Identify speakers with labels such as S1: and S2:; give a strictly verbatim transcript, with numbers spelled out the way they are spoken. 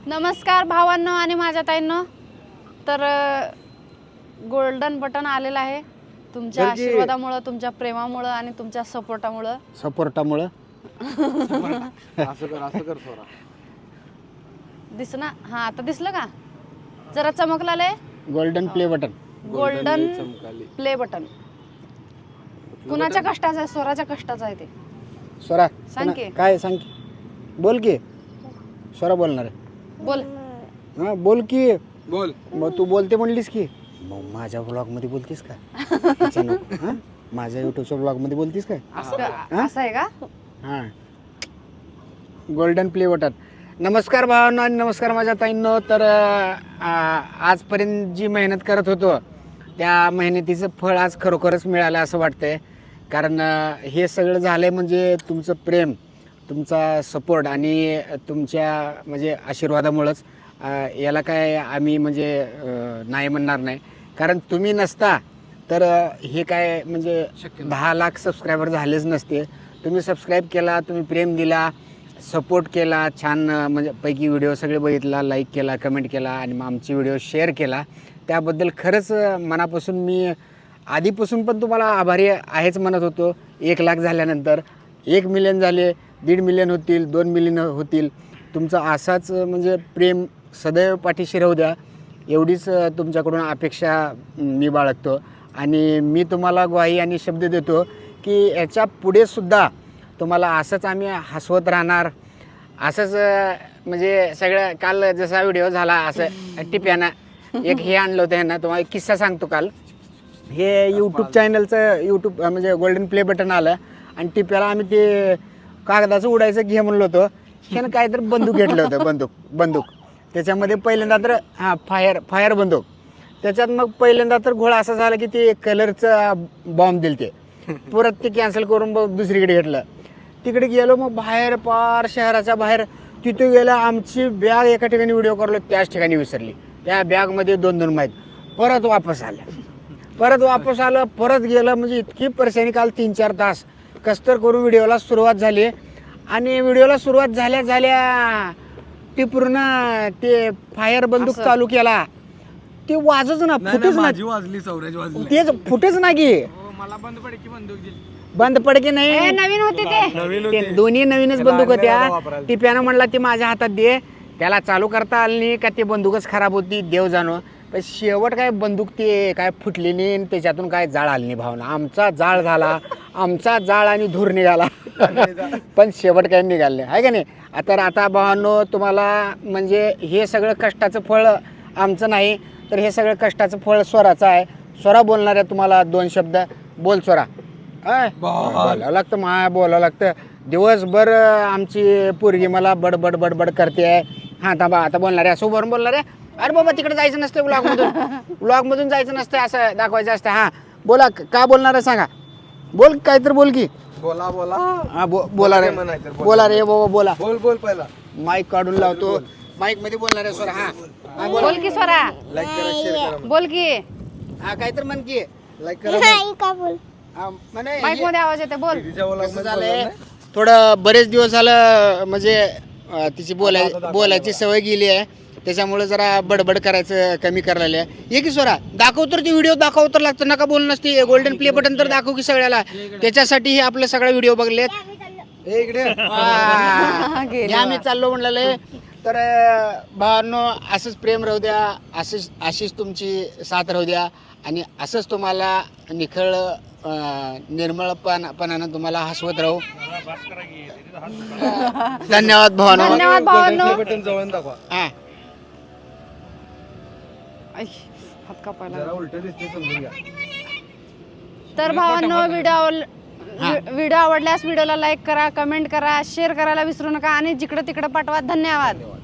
S1: नमस्कार भावांनो आणि माझ्या ताईंनो. तर गोल्डन बटन आलेलं आहे तुमच्या आशीर्वादामुळे, तुमच्या प्रेमामुळे आणि तुमच्या सपोर्टामुळे
S2: सपोर्टामुळे
S3: असं कर असं कर थोडा
S1: दिसना. हा आता दिसलं का? जरा चमकलाले
S2: गोल्डन प्ले बटन.
S1: गोल्डन
S3: चमकाली
S1: प्ले बटन कुणाच्या कष्टाचं आहे? स्वराच्या कष्टाचं आहे ते.
S2: स्वरा
S1: सांग की.
S2: काय सांग की. बोल की. स्वरा बोलणार आहे.
S1: बोल.
S2: हा बोल की.
S3: बोल.
S2: मग तू बोलते म्हणलीस की मग माझ्या ब्लॉग मध्ये बोलतीस का? हा? माझ्या युट्यूबच्या ब्लॉग मध्ये बोलतीस काय?
S1: असं असं आहे का?
S2: हा गोल्डन प्ले बटन. नमस्कार भावांनो आणि नमस्कार माझ्या ताईंनो. तर आ, आजपर्यंत जी मेहनत करत होतो त्या मेहनतीचं फळ आज खरोखरच मिळालं असं वाटतंय. कारण अ, हे सगळं झालंय म्हणजे तुमचं प्रेम, तुमचा सपोर्ट आणि तुमच्या म्हणजे आशीर्वादामुळंच. अ, याला काय आम्ही म्हणजे अ, नाही म्हणणार नाही. कारण तुम्ही नसता तर अ, हे काय म्हणजे दहा लाख सबस्क्रायबर झालेच नसते. तुम्ही सबस्क्राईब केला, तुम्ही प्रेम दिला, सपोर्ट केला, छान अ, म्हणजे पैकी व्हिडिओ सगळे बघितला, लाईक केला, कमेंट केला आणि मग आमची व्हिडिओ शेअर केला. त्याबद्दल खरंच अ, मनापासून मी आधीपासून पण तुम्हाला आभारी आहेच म्हणत होतो. एक लाख झाल्यानंतर एक मिलियन झाले, दीड मिलियन होतील, दोन मिलियन होतील. तुमचं असाच अ, म्हणजे प्रेम सदैव पाठीशी राहू द्या एवढीच अ, तुमच्याकडून अपेक्षा मी बाळगतो. आणि मी तुम्हाला ग्वाही आणि शब्द देतो की याच्या पुढेसुद्धा तुम्हाला असंच आम्ही हसवत राहणार. असंच अ, म्हणजे सगळं काल जसा व्हिडिओ झाला असं टिप्यानं एक हे आणलं होतं ह्यांना. तुम्हाला एक किस्सा सांगतो. काल हे यूट्यूब चॅनलचं यूट्यूब म्हणजे गोल्डन प्ले बटन आलं आणि टिप्याला आम्ही ते कागदाचं उडायचं घे म्हणलो होतो. ह्यानं काहीतरी बंदूक घेतलं होतं. बंदूक बंदूक त्याच्यामध्ये पहिल्यांदा तर हां फायर फायर बंदूक. त्याच्यात मग पहिल्यांदा तर घोळा असा झाला की ते कलरचा बॉम्ब दिल ते परत ते कॅन्सल करून मग दुसरीकडे घेतलं. तिकडे गेलो मग बाहेर पार शहराच्या बाहेर तिथे गेलं. आमची बॅग एका ठिकाणी व्हिडिओ करलो त्याच ठिकाणी विसरली. त्या बॅगमध्ये दोन दोन माहीत. परत वापस आलं परत वापस आलं परत गेलं. म्हणजे इतकी परेशानी काल तीन चार तास कसतर करून व्हिडिओला सुरुवात झाली. आणि व्हिडिओला सुरुवात झाल्या झाल्या ती पूर्ण ते फायर बंदूक चालू केला. ते वाजच ना फुटच ना.
S3: माझी वाजली सौराज वाजली
S2: तेच फुटच ना की
S3: मला बंद पडे की बंदूक दिली.
S2: बंद पडके
S1: ए,
S2: नाही.
S1: नवीन होती ते.
S3: नवीन
S2: ते
S3: होती.
S2: दोन्ही नवीनच बंदूक
S3: त्याला
S2: होत्या.
S3: आणलेला वापरायला.
S2: टिप्यानं म्हणला ती माझ्या हातात दे. त्याला चालू करता आली नाही का ती बंदूकच खराब होती देव जाणो. पण शेवट काय बंदूक ते काय फुटली नाही आणि त्याच्यातून काय जाळ आली नाही. भावना आमचा जाळ झाला, आमचा जाळ आणि धूर निघाला पण शेवट काय निघालं नाही आहे का नाही. आता आता भावांनो तुम्हाला म्हणजे हे सगळं कष्टाचं फळ आमचं नाही तर हे सगळं कष्टाचं फळ स्वराचं आहे. स्वरा बोलणार आहे तुम्हाला दोन शब्द. बोल स्वरा. अय बोलावं लागतं मा बोलावं लागतं. दिवसभर आमची पोरगी मला बडबड बडबड करते आहे. हां थांबा आता बोलणार आहे. असं उभारून बोलणार आहे. अरे बाबा तिकडे जायचं नसतं ब्लॉगमधून ब्लॉगमधून जायचं नसतं असं दाखवायचं असतं. हां बोला का बोलणार आहे सांगा. बोल काहीतरी बोल की.
S3: बोला बोला
S2: हां बो बोला रे
S3: म्हणायचं, बोला.
S2: बोला रे बाबा बोला.
S3: बोल बोल पहिला
S2: माईक काढून लावतो. माईक मध्ये बोलणार आहे स्वरा. हां हां बोला.
S1: बोल की स्वरा.
S3: लाईक करा शेअर करा.
S1: बोल की.
S2: हां काहीतरी म्हण की.
S3: लाईक करा.
S2: हां, म्हणे
S1: माईक
S2: हे-
S1: मध्ये आवाज येते. बोल.
S3: दीदीच्या vlog
S2: कसं
S3: मध्ये
S2: झालंय
S3: बोलणार नाही?
S2: थोडं बरेच दिवस झालं म्हणजे अं, तिची बोलाय बोलायची सवय गेली आहे. त्याच्यामुळे जरा बडबड करायचं कमी करायला आहे. ये की स्वरा दाखव तर ती व्हिडिओ दाखव तर लागतं नका बोलू नसते. गोल्डन प्ले बटन तर दाखव की सगळ्याला. त्याच्यासाठी हे आपले सगळे व्हिडिओ बघलेत.
S3: ए, इकडे
S2: वा.
S1: गेले
S2: या मी चाललो म्हणलेले. तर अं, भावांनो असंच प्रेम राहू द्या, असंच अशीच तुमची साथ राहू द्या आणि असंच तुम्हाला निखळ अं, निर्मळपणानं तुम्हाला हसवत राहू. धन्यवाद भावांनो.
S1: धन्यवाद भावांनो.
S3: बटन जवळ दाखवा.
S2: हा
S1: ऐ, हात कापायला.
S3: जरा उलट दिसते समजून घ्या.
S1: तर भावांनो व्हिडिओ व्हिडिओ आवडल्यास व्हिडिओला लाईक करा, कमेंट करा, शेअर करायला विसरू नका आणि जिकडे तिकडे पाठवा. धन्यवाद.